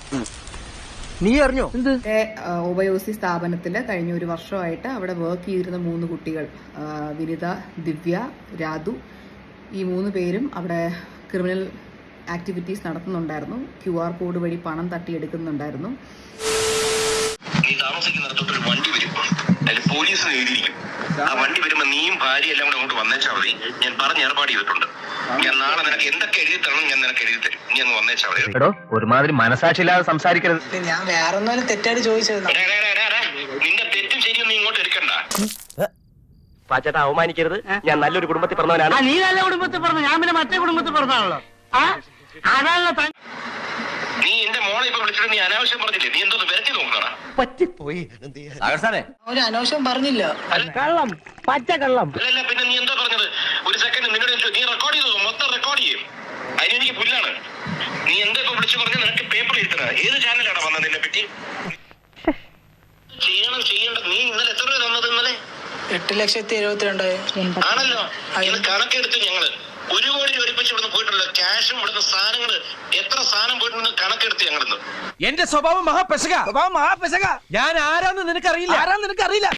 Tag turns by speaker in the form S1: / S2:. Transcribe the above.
S1: നീ അറിഞ്ഞോ?
S2: ഒബയോസി സ്ഥാപനത്തിൽ കഴിഞ്ഞ ഒരു വർഷമായിട്ട് അവിടെ വർക്ക് ചെയ്തിരുന്ന 3 കുട്ടികൾ, വിനിത, ദിവ്യ, രാധു, ഈ 3 പേരും അവിടെ ക്രിമിനൽ ആക്ടിവിറ്റീസ് നടത്തുന്നുണ്ടായിരുന്നു. QR കോഡ് വഴി പണം തട്ടിയെടുക്കുന്നുണ്ടായിരുന്നു.
S3: നീ താമസിക്കുന്നിടത്തോട്ടൊരു വണ്ടി വരും, അതിൽ പോലീസിന് എഴുതിയിരിക്കും. ആ വണ്ടി വരുമ്പോ നീയും ഭാര്യ എല്ലാം കൂടെ അങ്ങോട്ട് വന്നേച്ചാൽ മതി. ഞാൻ പറഞ്ഞ് ഏർപ്പാട് ചെയ്തിട്ടുണ്ട്. ഞാൻ നാളെ നിനക്ക് എന്തൊക്കെ എഴുതി തരണം ഞാൻ നിനക്ക് എഴുതി തരും. നീ അങ്ങ് വന്നേച്ചാൽ മതി.
S1: എടോ, ഒരുമാതിരി മനസാക്ഷിയില്ലാതെ സംസാരിക്കരുത്.
S4: ഞാൻ വേറെ ഒന്നും തെറ്റായിട്ട് ചോദിച്ചത്.
S3: നിന്റെ തെറ്റും ശരിയും നീ ഇങ്ങോട്ട് എടുക്കണ്ട.
S1: പാച്ചേട്ടാ, അവമാനിക്കരുത്. ഞാൻ നല്ലൊരു കുടുംബത്തിൽ പറഞ്ഞവനാണ്.
S5: നീ നല്ല കുടുംബത്തിൽ പറഞ്ഞു, ഞാൻ പിന്നെ മറ്റേ കുടുംബത്തിൽ പറഞ്ഞാണല്ലോ.
S3: നീ എന്റെ മോളെ ഇപ്പൊ വിളിച്ചിട്ട് നീ അനാവശ്യം പറഞ്ഞില്ലേ? നീ എന്തോ വരത്തി നോക്കണ
S1: പറ്റിപ്പോയി.
S4: ഒരു അനാവശ്യം പറഞ്ഞില്ല.
S5: കള്ളം, പച്ച കള്ളം.
S3: അല്ലല്ല, പിന്നെ നീ എന്താ പറഞ്ഞത്? ഒരു സെക്കൻഡ് നിന്നോട് നീ റെക്കോർഡ് ചെയ്തോ? മൊത്തം റെക്കോർഡ് ചെയ്യും. അതിനെനിക്ക് പുല്ലാണ്. നീ എന്താ ഇപ്പൊ വിളിച്ചു പറഞ്ഞ? നിനക്ക് പേപ്പർ എഴുതണ ഏത് ചാനലാണ് വന്നത്? നിന്നെ പറ്റി ചെയ്യേണ്ടത്. നീ ഇന്നലെ എത്ര രൂപ തന്നത്? ഇന്നലെ
S4: 8,72,000
S3: ആണല്ലോ. ഇത് കണക്കെടുത്ത് ഞങ്ങള് 1 കോടി രൂപ ഒരുമിച്ച് ഇവിടുന്ന് പോയിട്ടുണ്ടല്ലോ. ക്യാഷും ഇവിടുന്ന് സാധനങ്ങള് എത്ര സാധനം പോയിട്ടുണ്ടെന്ന് കണക്കെടുത്ത് ഞങ്ങളിന്ന്.
S6: എന്റെ സ്വഭാവം മഹാപെശക. ഞാൻ ആരാന്ന് നിനക്കറിയില്ല.